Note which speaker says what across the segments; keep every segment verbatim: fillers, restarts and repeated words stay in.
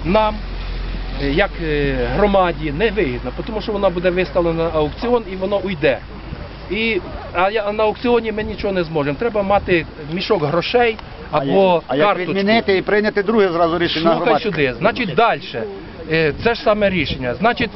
Speaker 1: нам, як громаді, не вигідно, тому що вона буде виставлена на аукціон і воно уйде. І, а я, на аукціоні ми нічого не зможемо. Треба мати мішок грошей або
Speaker 2: а як,
Speaker 1: карточку.
Speaker 2: А як відмінити і прийняти друге зразу рішення на
Speaker 1: Слухай
Speaker 2: громадське?
Speaker 1: сюди. Значить, далі. Це ж саме рішення. Значить,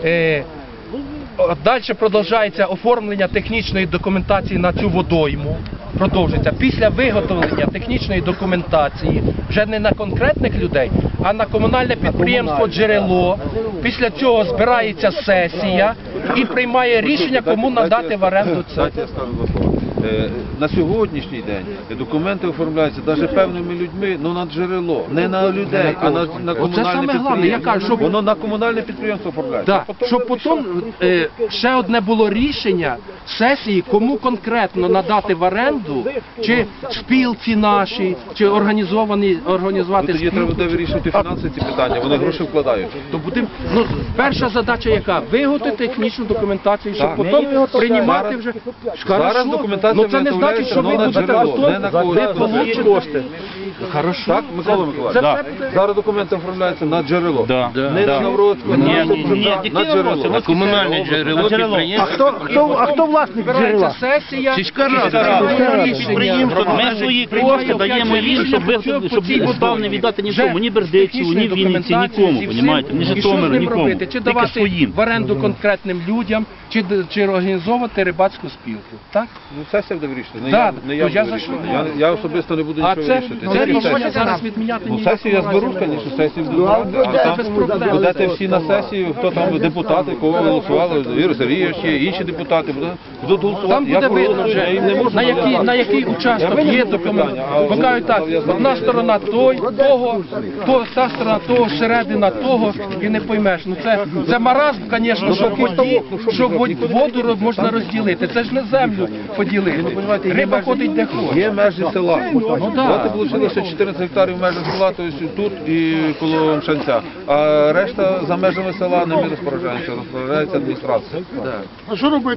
Speaker 1: далі продовжується оформлення технічної документації на цю водойму. Продовжується. Після виготовлення технічної документації, вже не на конкретних людей, а на комунальне підприємство «Джерело». Після цього збирається сесія і приймає рішення, кому надати в оренду це.
Speaker 3: Дайте я скажу два слова. На сьогоднішній день документи оформляються навіть певними людьми, ну на джерело, не на людей, а на, на комунальне підприємство. Воно на комунальне підприємство оформляється.
Speaker 1: Так, щоб потім е, ще одне було рішення сесії, кому конкретно надати в оренду, чи спілці наші, чи організовані, організувати
Speaker 3: Тоді
Speaker 1: спілку.
Speaker 3: треба буде вирішувати фінансові ці питання, вони гроші вкладають.
Speaker 1: То буде, ну, перша задача яка? Виготовити технічну документацію, щоб потім приймати вже.
Speaker 3: Зараз документація
Speaker 1: ну, це не значить, що ви
Speaker 3: на
Speaker 1: будете
Speaker 3: джерело,
Speaker 1: потім
Speaker 3: не на когось.
Speaker 1: получите кошти. Хорошо.
Speaker 3: Так, Микола Миколаївич?
Speaker 1: Да.
Speaker 3: Зараз документи оформляються на джерело.
Speaker 4: Да.
Speaker 3: Не
Speaker 4: Да.
Speaker 3: на Навродську,
Speaker 4: Ні,
Speaker 3: не
Speaker 4: ні, ні,
Speaker 3: на джерело.
Speaker 4: на комунальне джерело
Speaker 2: А
Speaker 4: підприємство.
Speaker 2: хто, хто, а хто власник
Speaker 1: Збирається
Speaker 2: джерела?
Speaker 1: сесія,
Speaker 4: Сільська
Speaker 1: і
Speaker 4: рада,
Speaker 1: приймає рішення.
Speaker 4: підприємство, ми свої кошти даємо їм, щоб ви- щоб став не віддати нікому, ні Бердичеву, ні Вінниці, нікому, понімаєте, ні Житомиру, нікому,
Speaker 1: Чи
Speaker 4: тільки
Speaker 1: давати
Speaker 4: своїм.
Speaker 1: в оренду конкретним людям, чи, чи організовувати рибацьку спілку, так?
Speaker 3: Ну, сесія буде вирішити, не
Speaker 1: Да,
Speaker 3: я, не я
Speaker 1: то я
Speaker 3: буду
Speaker 1: за що?
Speaker 3: вирішувати. Я, я особисто не буду
Speaker 1: А
Speaker 3: нічого
Speaker 1: це,
Speaker 3: вирішити.
Speaker 1: це
Speaker 3: Тільки
Speaker 1: рішення
Speaker 3: сесія.
Speaker 1: зараз відміняти
Speaker 3: Ну,
Speaker 1: ніякого
Speaker 3: сесію я зберу,
Speaker 1: разу не
Speaker 3: звісно,
Speaker 1: можна.
Speaker 3: сесію буду брати, а
Speaker 1: це
Speaker 3: там
Speaker 1: без проблем.
Speaker 3: будете всі на сесію, хто там депутати, кого голосували, Юрій Сергійович є, інші депутати, будуть, будуть голосувати.
Speaker 1: Там
Speaker 3: Я
Speaker 1: буде видно
Speaker 3: проти, я
Speaker 1: вже,
Speaker 3: їм не можу
Speaker 1: на який,
Speaker 3: нав'язати.
Speaker 1: на який участок
Speaker 3: Я
Speaker 1: є
Speaker 3: винесу
Speaker 1: документ.
Speaker 3: питання, а
Speaker 1: Бо кажуть так,
Speaker 3: я знаю.
Speaker 1: одна сторона той, того, то, та сторона того, середина того, і не поймеш. Ну це, це маразм, звісно, що воді, що вод- воду можна розділити. Це ж не землю поділити. Риба ходить де хоче.
Speaker 3: Є межі села.
Speaker 1: Ну, да.
Speaker 3: От вийшло чотирнадцять гектарів в межах села, тобто тут і коло Мшанця. А решта за межами села не ми розпоряджаємося, розпоряджається адміністрація.
Speaker 2: А що робити?